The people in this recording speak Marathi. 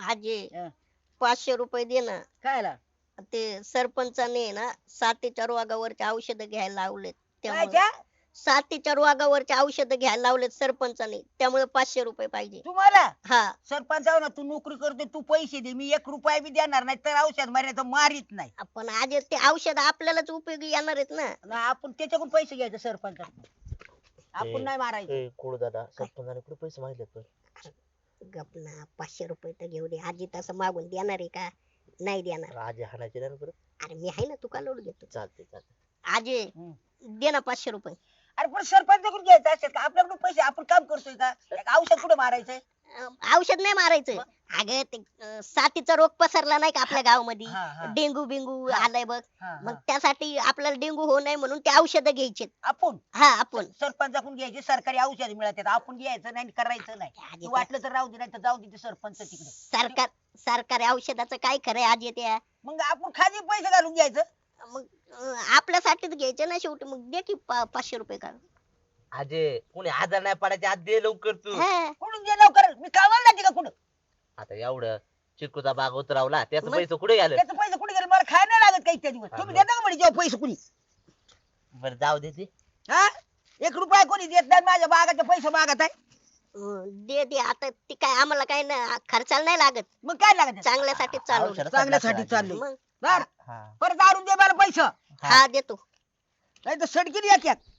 आजे हं. 500 रुपये दे ना. कायला ते सरपंचाने ना साथीच्या रोगावरचे औषध घ्यायला लावलेत, काय त्यामुळे त्या साथीच्या रोगावरचे औषध घ्यायला लावलेत सरपंचाने, त्यामुळे 500 रुपये पाहिजे. तुम्हाला हा. सरपंचावर ना तू नोकरी करते तू पैसे दे मी 1 रुपया बी देणार नाही तर औषध मारायचं मारित नाही आपण आज ते औषध आपल्यालाच उपयोगी येणार आहेत ना. ना आपण त्याच्याकडून पैसे घ्यायचे सरपंच आपण नाही मारायचं कुळ दादा सरपंचाने कुठे पैसे मागितले पण गप ना, 500 रुपये तर घेऊ दे. आजी तसं मागून देणार आहे का? नाही देणार. आजी हाणायचे नाही ना परत. अरे मी आहे ना, तू का लोड घेतो? चालते चालते. आजे हं. दे ना 500 रुपये. अरे पण सरपंचाकडून घ्यायचं असेल का आपल्याकडून पैसे आपण काम करतोय का एक औषध कुठे मारायचंय औषध नाही मारायचं. अगं ते साथीचा रोग पसरला नाही का आपल्या गावामध्ये, हा, हा. डेंगू बिंगू हा. आलाय बघ. हा, मग हा. त्यासाठी आपल्याला डेंगू होऊ नये म्हणून ते औषध घ्यायचे. आपण हा आपण सरपंचाकडून घ्यायचे सरकारी औषध मिळतात आपण घ्यायचं नाही करायचं नाही आजी तू वाटलं तर राहू दे नाही तर जाऊ दे ते सरपंच तिकडे सरकार सरकारी औषधाचं काय खरंय आजी त्या. मग आपण खाली पैसे घालून घ्यायचं मग आपल्यासाठीच घ्यायचे ना शेवटी. मग दे की 500 रुपये का. आजे कोणी आजार नाही पडायचे आज दे लवकर तू. हा. कुठून दे लवकर मी कामाला जाते का कुठं आता एवढं चिकूचा बाग उतरावला त्याचं मग- पैसे कुठे गेलं. त्याचे पैसे कुठे गेले मला खायला नाही लागत काही त्या दिवस तुम्ही देता का म्हणे जेव्हा पैसे कुणी बरं जाऊ दे ते. हा 1 रुपया कोणी देत नाही माझ्या बागाचे पैसे मागत आहे दे दे आता. ती काय आम्हाला काय ना खर्चाला नाही लागत, मग काय लागत आहे? चांगल्यासाठी चालू. औषधासाठी चांगल्यासाठी लागतं चाललंय मग बर हा. परत आणून दे मला पैसे हा देतो. नाही तर सडकीन या